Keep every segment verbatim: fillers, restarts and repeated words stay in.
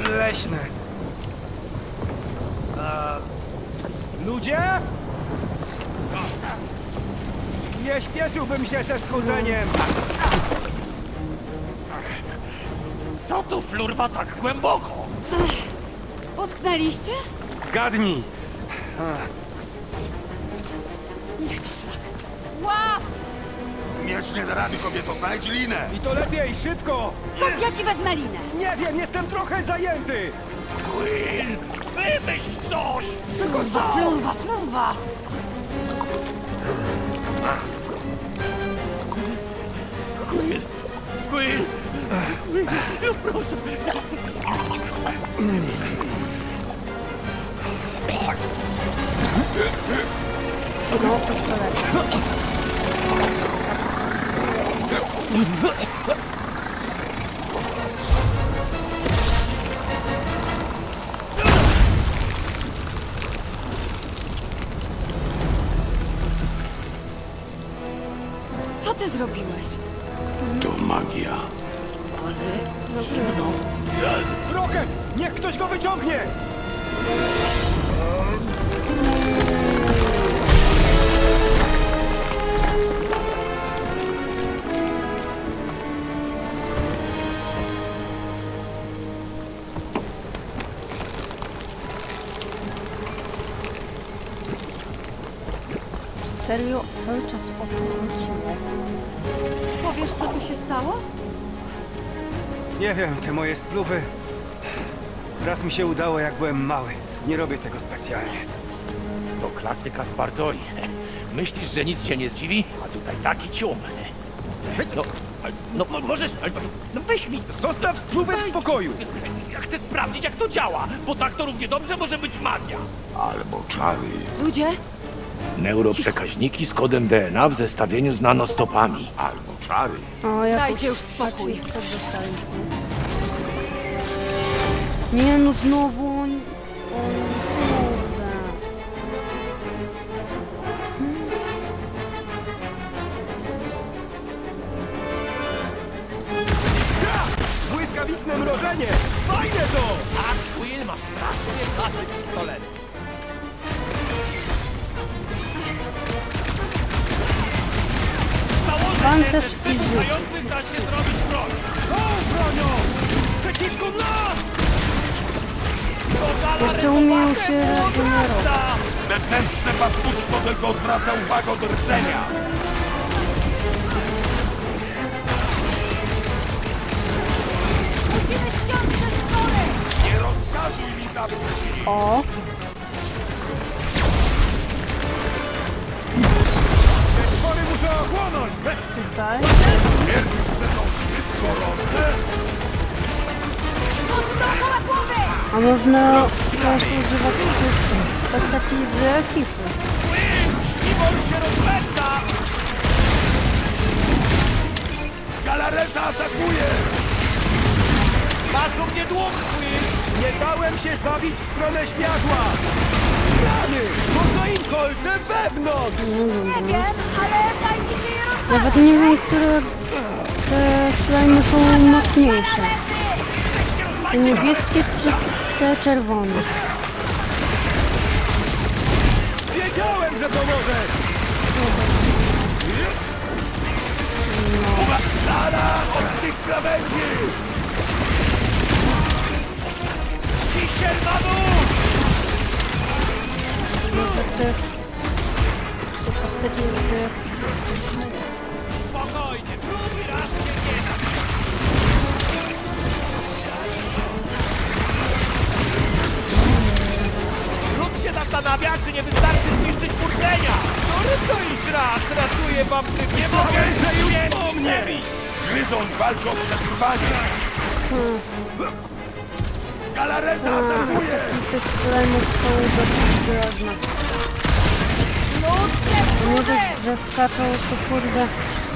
leśne. A... Ludzie? Nie śpieszyłbym się ze schudzeniem. Co tu flurwa tak głęboko? Potknęliście? Zgadnij. Niech to szlak. Łap! Miecz nie da rady, kobieto, znajdź linę! I to lepiej, szybko! Skąd ja ci wezmę linę? Nie wiem, jestem trochę zajęty! Quill, wymyśl coś! Tylko Flurwa, co? flurwa, flurwa! Quill, Quill, Quill, no proszę. No, pistolet. Co ty zrobiłeś? To magia. Rocket! Niech ktoś go wyciągnie! Serio, cały czas o to chodziło. Powiesz, co tu się stało? Nie wiem, te moje spluwy... Raz mi się udało, jak byłem mały. Nie robię tego specjalnie. To klasyka Spartoi. Myślisz, że nic cię nie zdziwi? A tutaj taki cium. No, no mo- możesz... No weź mi... Zostaw spluwy w spokoju! Ja chcę sprawdzić, jak to działa, bo tak to równie dobrze może być magia. Albo czary. Ludzie? Neuroprzekaźniki z kodem D N A w zestawieniu z nanostopami. Albo czary. O, ja Dajcie już spokój. to dostaliśmy. Nie no, znowu on... on kurde. Błyskawiczne mrożenie! Fajne to! A Quill ma strasznie zasy pistolet. Pancerz i rzut. Mających da się zrobić broń. Tą bronią! Przeciwko nas! Jeszcze umieją się regenerować. Zewnętrzne paskudstwo tylko odwraca uwagę od rdzenia. Musimy ściąć te stwory! Nie rozkazuj mi zabić. O, Te stwory muszę ochłonąć! tutaj. Twierdzisz, że są zbyt gorące? Chodź dookoła głowy! A można też używać tych postaci z ekipy. Śliwor się rozpędza! Galareta atakuje! Masz u mnie dług, Quill! Nie dałem się zabić w stronę światła! Rany! Można im kolce wewnątrz! No Nie dobra. wiem, ale daj mi się je rozwalić! Nawet nie wiem, które te slajmy są mocniejsze. Te niebieskie czy te czerwone. Wiedziałem, że pomoże! Lara od tych krawędzi! Kisiel na dół! Może te, te postaci z... Spokojnie, drugi raz się nie da. Lud się zastanawia, czy nie wystarczy zniszczyć furtlenia. No to iż raz, ratuję wam tych. Nie mogę, że już po mnie! Gryząc walczą o przetrwanie! Galareta A, atakuje! ataki tych slajmów są dosyć groźne. Mimo, że, że skaczą, to kurde...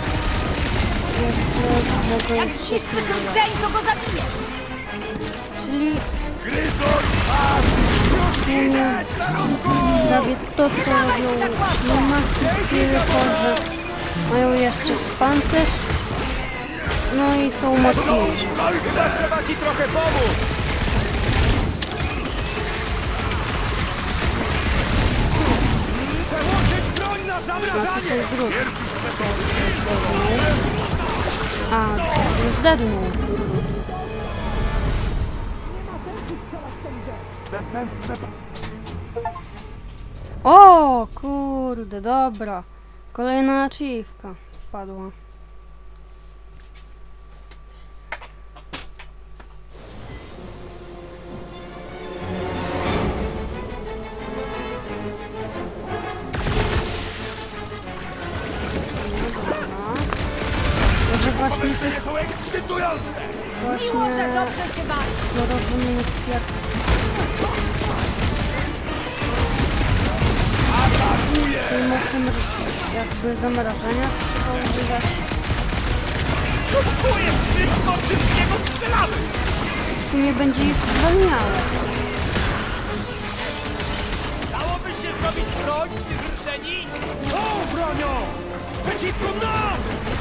Jeszcze Jak mogą się zniszczysz spróbować. rdzeń, to go zabijesz! Czyli Gryzon! w sumie prawie to, co robią ślimaki, tylko że mają jeszcze pancerz, no i są mocniejsze. Chyba trzeba ci trochę pomóc! tutaj grud. A, już dednął grud. O, kurde, dobra. Kolejna achievka wpadła. Może właśnie tych Są ekscytujące! Miło, że właśnie dobrze się bawi. dorozumień kwiatów. Tej mocy mr- jakby zamrażania trzeba używać. Czubkuję wszystko, wszystkiego strzelamy! Tu nie będzie ich zwalniało. Dałoby się zrobić broń z tych rdzeni? Są bronią! Przeciwko nam!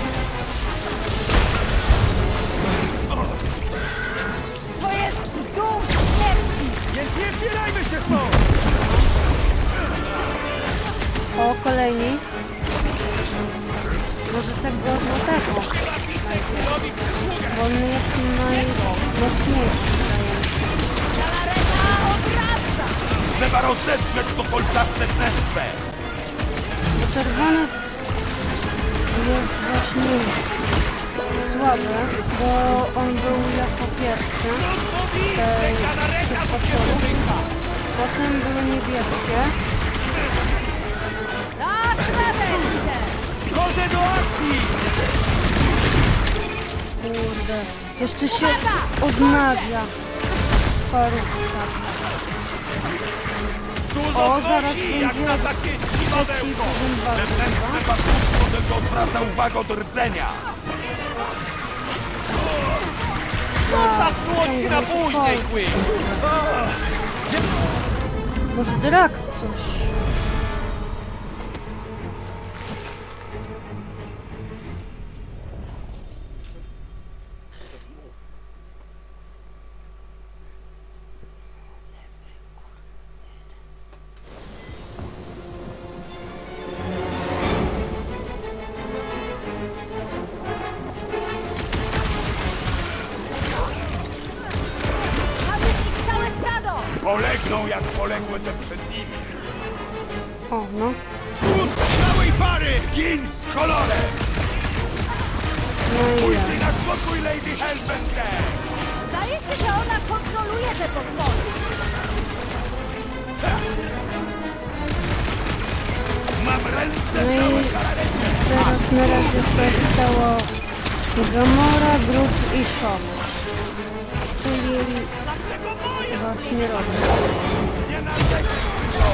To jest dół śmierci. Więc nie zbierajmy się stąd! O, kolejni. Może tego złotego. Bo on jest najmocniejszy. Galareta odrasta. Trzeba rozetrzeć to kolczaste wnętrze! Bo czerwony jest właśnie słaby, bo on był jako pierwszy tej, tych potworów. Potem były niebieskie. Dasz radę, lider. Chodzę do akcji! Kurde. Jeszcze się odnawia parówka. Dużo O, zaraz znosi, jak będzie na takie dziwodełko! Wewnętrzne paskudstwo tylko odwraca uwagę od rdzenia! Zostaw czułości na później, Quill! Może Drax coś. Mamy ich całe stado. Polegną jak poległy te przed nimi! O, no. Wóz całej pary! Gin z kolorem! No i Pójdź ja. na spokój Lady Hellbender! Zdaje się, że ona kontroluje te potwory. Mam ręce No i całe galarety! teraz na razie zostało Gamora, Groot i Shock. Czyli właśnie robię. Nie narzekaj!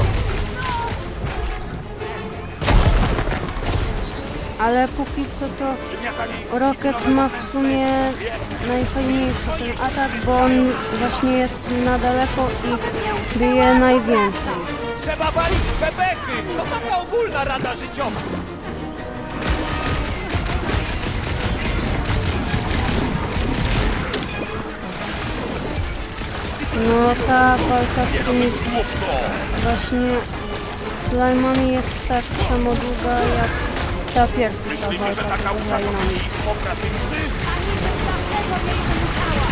Ale póki co to Gniatami Rocket ma w sumie najfajniejszy ten atak, bo on właśnie jest na daleko i bije najwięcej. Trzeba walić bebechy! To taka ogólna rada życiowa. No ta walka z tymi właśnie slajmami jest tak samo długa jak ta pierwsza Myślicie, że walka taka ze łupka to slajmami. mniej operacyjny? Dlatego jej musiała.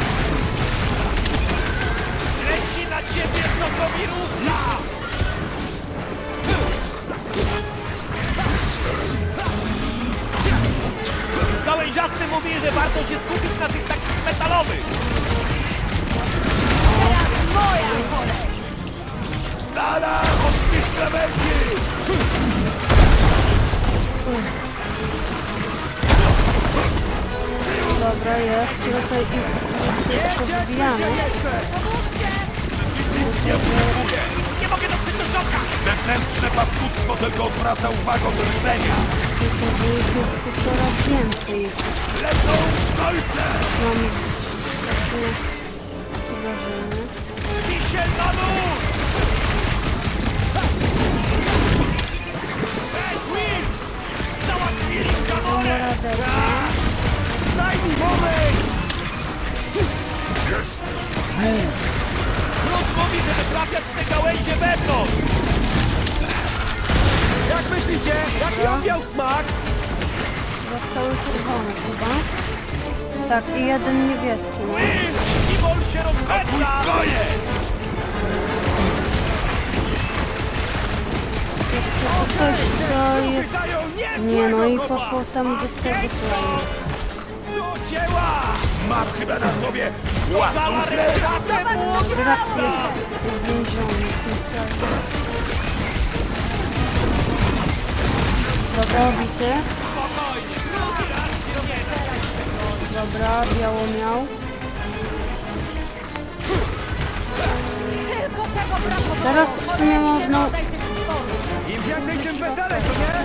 Leci na ciebie sokomirówka! Gałęziasty mówi, że warto się skupić na tych takich metalowych. Teraz moja kolej. Dala od tych krawędzi! Dobra, jest. Tutaj i szybko wybijamy. Nie mogę dotrzeć do środka! Zewnętrzne paskudstwo tylko odwraca uwagę od rdzenia! Tylko ich jest tu coraz więcej. Lecą kolce! Mam takie wrażenie. Wisiel na lód! Hej, Quill! Załatwili Gamorę! Radę. Daj mi moment! Groot mówi, żeby trafiać w te gałęzie wewnątrz! Jak myślicie? Jak cały czerwony chyba. Tak, i jeden niebieski, no. Iwol się rozpędza! Goje! Jeszcze to coś, co jest... Nie, no i poszło tam do tego slajmu. Do dzieła! Mam chyba na sobie własną krew! Drax jest uwięziony w tym slajmie. Dobra, bity. Dobra, biało miał. Tylko tego brakowało! Teraz w sumie można... Rodzaj tych stworów. Im więcej, tym weselej, co nie?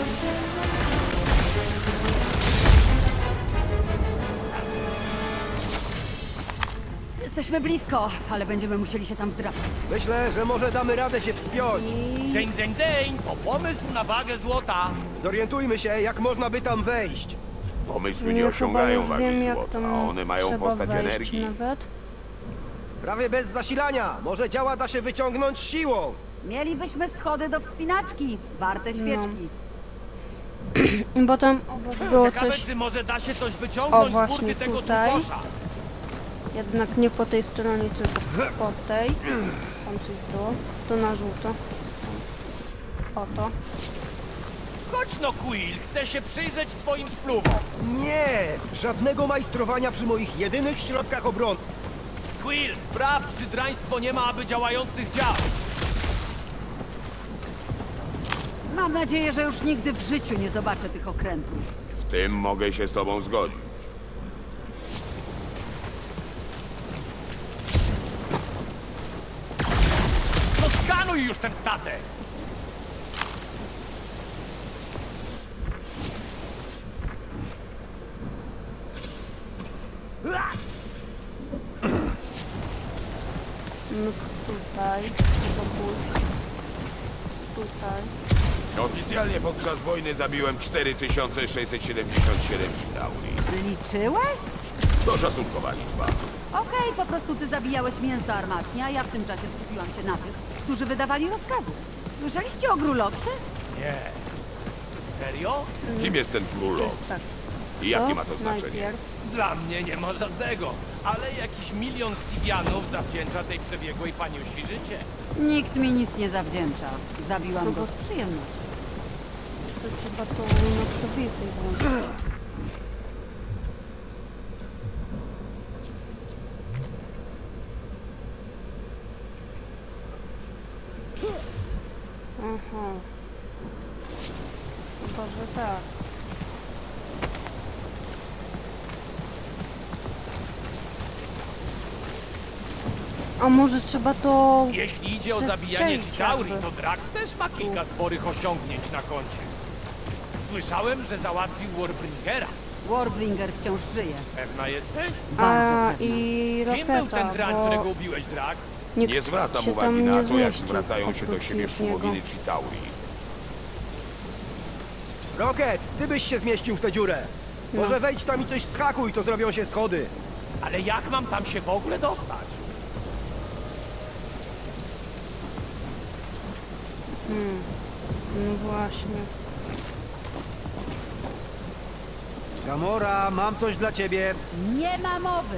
Jesteśmy blisko, ale będziemy musieli się tam wdrapać. Myślę, że może damy radę się wspiąć. Dzień, dzień, dzień! To pomysł na wagę złota! Zorientujmy się, jak można by tam wejść. Pomysły Nie, nie chyba osiągają już wagi wiem, jak złota, tam a one mają trzeba postać wejść energii. nawet. Prawie bez zasilania. Może działa da się wyciągnąć siłą. Mielibyśmy schody do wspinaczki, warte świeczki. Bo tam obok było Ciekawe, coś... czy może da się coś O, wyciągnąć z właśnie burty tego tutaj. tukosza. Jednak nie po tej stronie, tylko po tej. Tam coś było. To na żółto. Oto. Chodź no, Quill! Chcę się przyjrzeć twoim spluwom! Nie! Żadnego majstrowania przy moich jedynych środkach obrony. Quill, sprawdź, czy draństwo nie ma aby działających dział! Mam nadzieję, że już nigdy w życiu nie zobaczę tych okrętów. W tym mogę się z tobą zgodzić. No skanuj już ten statek! No tutaj. Chyba pójść. Tutaj. Oficjalnie podczas wojny zabiłem cztery tysiące sześćset siedemdziesiąt siedem Chitauri. Liczyłeś? To szacunkowa liczba. Okej, po prostu ty zabijałeś mięso armatnie, a ja w tym czasie skupiłam się na tych, którzy wydawali rozkazy. Słyszeliście o Gruloksie? Nie. Serio? Kim jest ten To królok? jest tak. I jakie ma to znaczenie? Najpierw. Dla mnie nie ma żadnego, ale jakiś milion Sivianów zawdzięcza tej przebiegłej paniusi życie. Nikt mi nic nie zawdzięcza. Zabiłam No go bo- z przyjemnością. To trzeba to noktowizję włączyć. Aha. Chyba, że tak. A może trzeba to... Jeśli idzie o zabijanie Przestrzelić Chitauri, jakby. to Drax też ma kilka sporych osiągnięć na koncie. Słyszałem, że załatwił Warbringera. Warbringer wciąż żyje. Pewna jesteś? Bardzo A pewna. i Kim był ten roketa, drań, bo którego ubiłeś, Drax? nikt Nie zwracam się uwagi tam na nie to, jak zmieścił zwracają się do oprócz siebie niego. szumowiny Chitauri. Rocket, ty byś się zmieścił w tę dziurę. No. Może wejdź tam i coś schakuj, to zrobią się schody. Ale jak mam tam się w ogóle dostać? No właśnie. Gamora, mam coś dla ciebie. Nie ma mowy.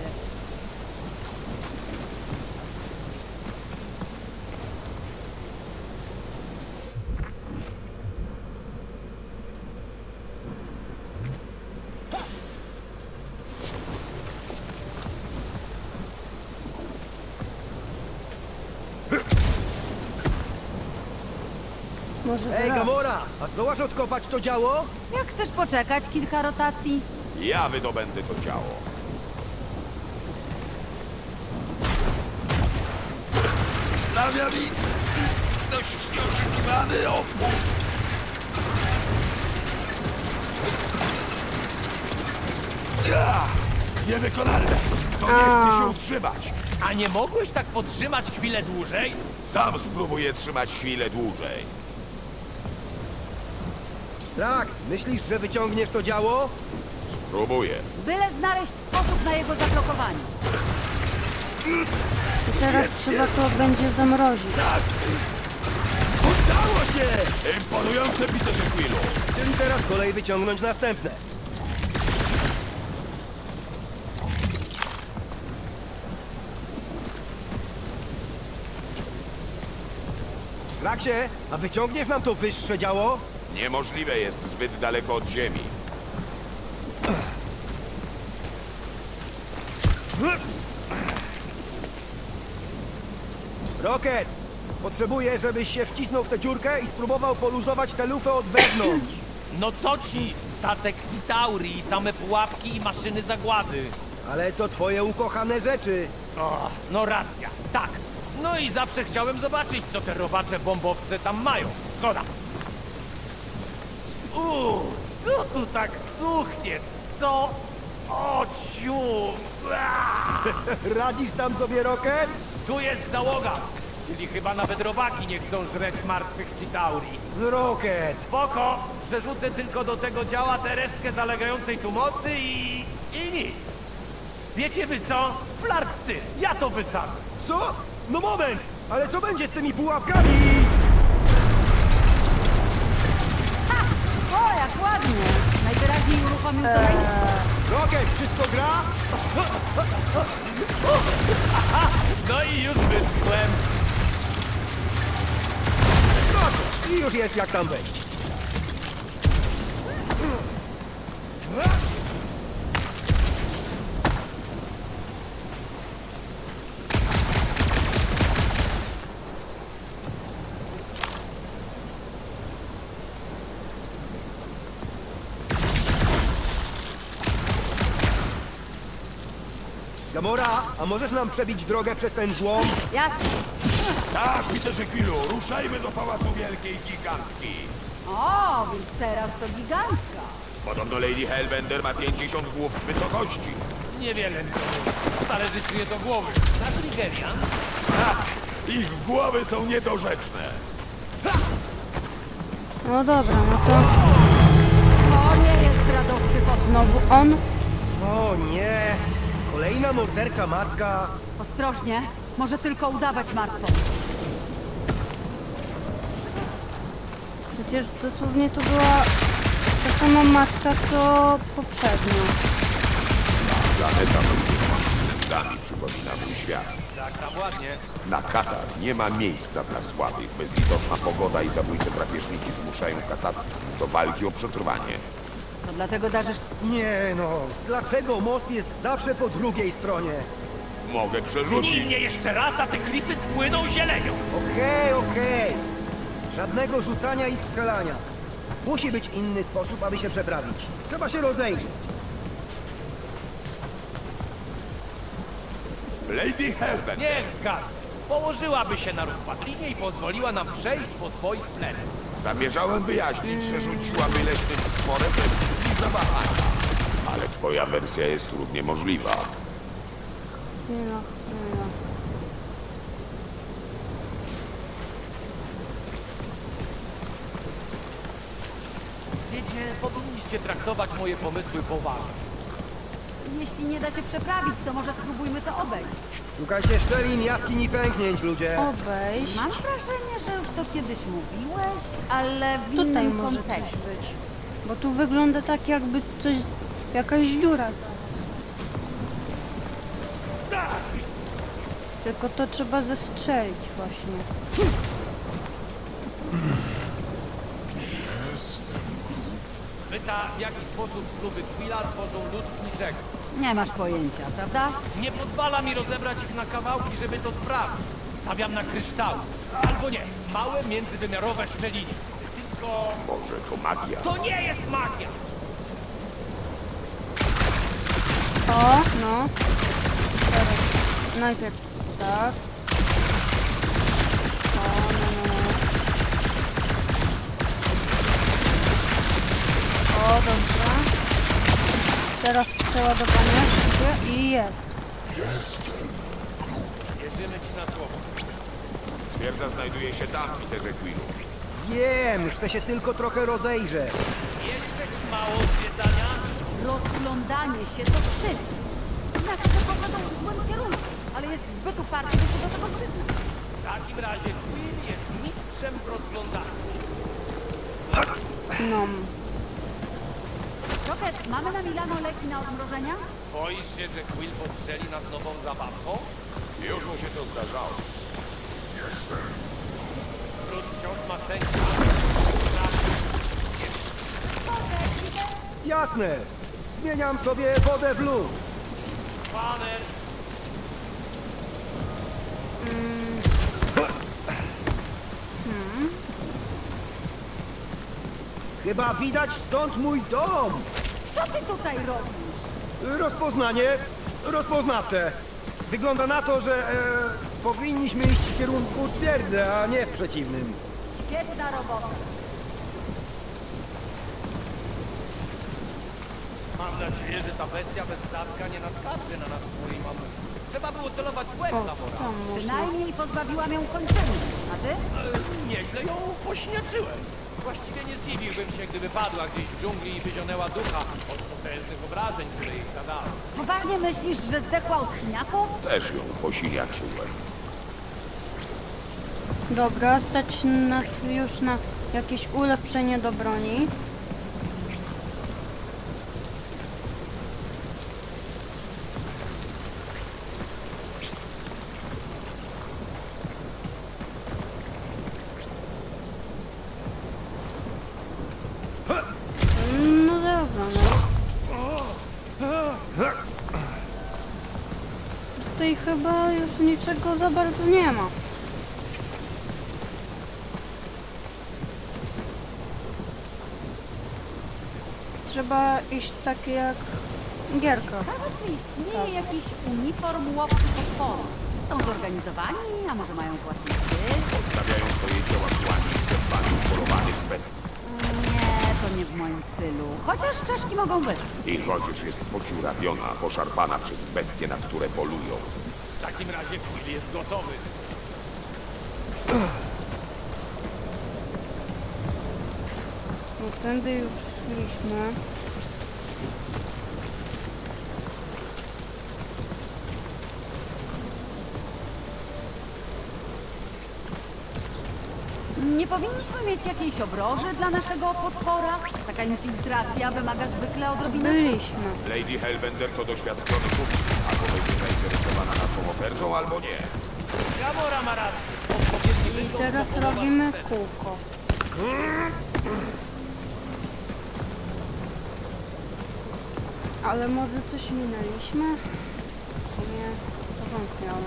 Może Ej, teraz. Gamora, a zdołasz odkopać to działo? Jak chcesz poczekać kilka rotacji? Ja wydobędę to ciało. Sprawia mi dość nieoczekiwany opór. Ja, niewykonalne. To nie chce się utrzymać. A nie mogłeś tak podtrzymać chwilę dłużej? Sam spróbuję trzymać chwilę dłużej. Drax, myślisz, że wyciągniesz to działo? Próbuję. Byle znaleźć sposób na jego zablokowanie. I teraz trzeba to będzie zamrozić. Udało się! Imponujące, Peterze Quillu. Czyli teraz kolej wyciągnąć następne. Raksie, a wyciągniesz nam to wyższe działo? Niemożliwe jest zbyt daleko od ziemi. Rocket! Potrzebuję, żebyś się wcisnął w tę dziurkę i spróbował poluzować tę lufę od wewnątrz. No co ci? Statek Chitauri, same pułapki i maszyny zagłady. Ale to twoje ukochane rzeczy. O, no racja, tak. No i zawsze chciałem zobaczyć, co te robacze bombowce tam mają. Zgoda. Uuu, co tu tak suchnie? Co? O ciu! Ua! Radzisz tam sobie, Rocket? Tu jest załoga, czyli chyba nawet robaki nie chcą żreć martwych Chitauri. Rocket! Spoko, przerzucę tylko do tego działa tę resztkę zalegającej tu mocy i... i nic. Wiecie wy co? Flarcy, ja to wysadzę. Co? No moment! Ale co będzie z tymi pułapkami? O, jak ładnie! Najwyraźniej uruchomił to miejsce. Rocket, wszystko gra? No i już wyschłem. Proszę, i już jest jak tam wejść. Gamora, a możesz nam przebić drogę przez ten złom? Jasne. Tak, Peterze Quillu, ruszajmy do Pałacu Wielkiej Gigantki. O, więc teraz to gigantka. Podobno Lady Hellbender ma pięćdziesiąt głów wysokości. Niewiele mi to mówi. Stare życie do głowy. Na Trigerian? Tak, ich głowy są niedorzeczne. No dobra, no to To nie jest radosny poczyn. znowu on. O nie! Kolejna mordercza macka. Ostrożnie, może tylko udawać martwą. Przecież dosłownie to była ta sama matka, co poprzednio. Planeta nami przypomina mój świat. Tak, tam ładnie. Na Katar nie ma miejsca dla słabych. Bezlitosna pogoda i zabójcze drapieżniki zmuszają Katat do walki o przetrwanie. To dlatego darzysz... Nie no, dlaczego most jest zawsze po drugiej stronie? Mogę Nij przerzucić. mnie jeszcze raz, a te klify spłyną zielenią. Okej, okej. Żadnego rzucania i strzelania. Musi być inny sposób, aby się przeprawić. Trzeba się rozejrzeć. Lady Hellbender. Niech zgadza. Położyłaby się na rozpadlinie i pozwoliła nam przejść po swoich plecach. Zamierzałem wyjaśnić, że rzuciłaby leśnym stworem bez chwili zawahania. Ale twoja wersja jest równie możliwa. Chwila, chwila. Wiecie, powinniście traktować moje pomysły poważnie. Jeśli nie da się przeprawić, to może spróbujmy to obejść. Szukajcie szczelin, jaskiń i pęknięć, ludzie. Obejść. Mam wrażenie, że już to kiedyś mówiłeś, ale w Tutaj innym może coś kontekście. być. Bo tu wygląda tak, jakby coś... jakaś dziura. Tylko to trzeba zestrzelić właśnie. Pyta, w jaki sposób kluby Quilla tworzą lód z niczego. Nie masz pojęcia, prawda? Nie pozwala mi rozebrać ich na kawałki, żeby to sprawdzić. Stawiam na kryształ. Albo nie, małe międzywymiarowe szczeliny. Tylko... Może to magia. To nie jest magia! O, no. Teraz. Najpierw tak. O, no, no, no. O, dobrze. Teraz przeładowanie szybkie i jest. Wierzymy ci na słowo. Twierdza znajduje się tam, Peterze Quillu. Wiem, chcę się tylko trochę rozejrzeć. Jeszcze ci mało zwiedzania? Rozglądanie się to wstyd. Znaczy, że pochodzą w złym kierunku, ale jest zbyt uparty, by się do tego przyznać. W takim razie Quill jest mistrzem w rozglądaniu. No. Rocket, mamy na Milano leki na odmrożenia? Boisz się, że Quill postrzeli nas nową zabawką? Już mu się to zdarzało. Trud wciąż ma sens. Jasne. Zmieniam sobie wodę w lód. Paner! Chyba widać stąd mój dom. Co ty tutaj robisz? Rozpoznanie rozpoznawcze. Wygląda na to, że e, powinniśmy iść w kierunku twierdzy, a nie w przeciwnym. Świetna robota. Mam nadzieję, że ta bestia bez statka nie naskarży na nas swojej mamy. Trzeba było celować w łeb O, Tabora. tam można. Przynajmniej pozbawiłam ją kończyny. A ty? Ale nieźle ją pośniaczyłem. Właściwie nie zdziwiłbym się, gdyby padła gdzieś w dżungli i wyzionęła ducha od potężnych obrażeń, które jej zadały. Poważnie myślisz, że zdechła od siniaków? Też ją posiniaczyłem. Dobra, stać nas już na jakieś ulepszenie do broni. No dobra, no. Tutaj chyba już niczego za bardzo nie ma. Trzeba iść tak jak gierka. Ciekawe, czy istnieje jakiś uniform łowcy potworów. Są zorganizowani, a może mają własny styl? Stawiają swoje dzieła kłani przed panią polowanych bestii. Nie, to nie w moim stylu. Chociaż czaszki mogą być. Ich odzież jest podziurawiona, poszarpana przez bestie, na które polują. W takim razie Quill jest gotowy. No tędy już szliśmy. Nie powinniśmy mieć jakiejś obroży dla naszego potwora? Taka infiltracja wymaga zwykle odrobiny... Byliśmy. Lady Hellbender to doświadczony kupiec. Albo będzie zainteresowana naszą ofertą, albo nie. Gamora ma rację. Odpowiedni I wygląd teraz zawodowa robimy sukcesu. kółko. Ale może coś minęliśmy? Nie, to wątpię.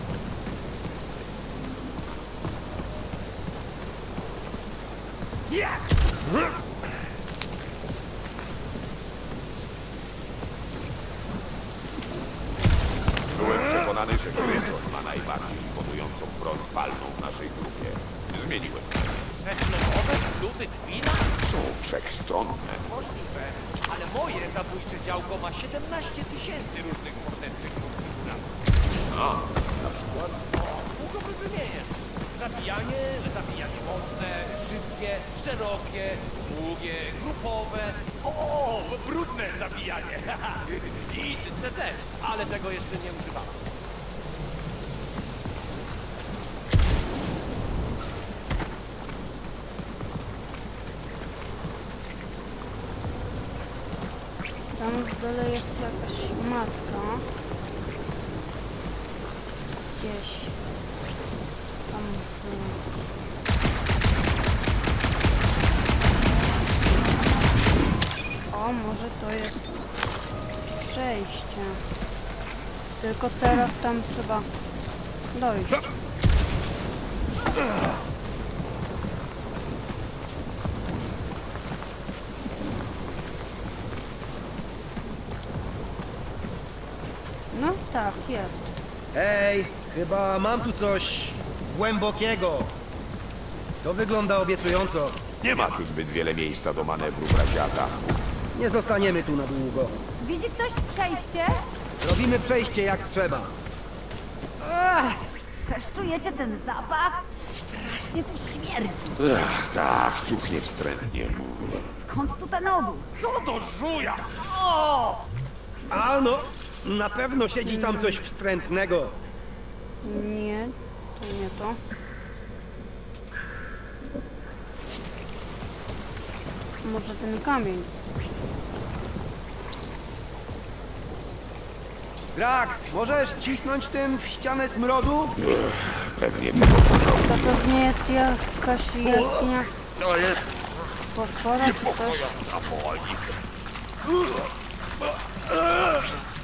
Byłem przekonany, że Gryzon ma najbardziej imponującą broń palną w naszej grupie. Zmieniłem. Węglowe kluby Quilla? Są wszechstronne. Możliwe, ale moje zabójcze działko ma siedemnaście tysięcy różnych potężnych konfiguracji. A, na przykład? O, długo by wymienię. Zabijanie, zabijanie mocne, szybkie, szerokie, długie, grupowe. O, brudne zabijanie. I czyste też, ale tego jeszcze nie używałem. Tam w dole jest jakaś matka. Gdzieś. Tam w... O, może to jest przejście. Tylko teraz tam trzeba dojść. No tak, jest. Ej, chyba mam tu coś głębokiego. To wygląda obiecująco. Nie ma tu zbyt wiele miejsca do manewru, braciaka. Nie zostaniemy tu na długo. Widzi ktoś przejście? Zrobimy przejście jak trzeba. Ech, też czujecie ten zapach? Strasznie tu śmierdzi. Ach, tak, cuchnie wstrętnie. Skąd tu ten odór? Co do żuja! O! A no, na pewno siedzi tam coś wstrętnego. Nie, to nie to. Może ten kamień. Drax, możesz cisnąć tym w ścianę smrodu? Pewnie tego pożałuję. To pewnie jest jakaś jaskinia To jest potwora czy coś. zapalnik.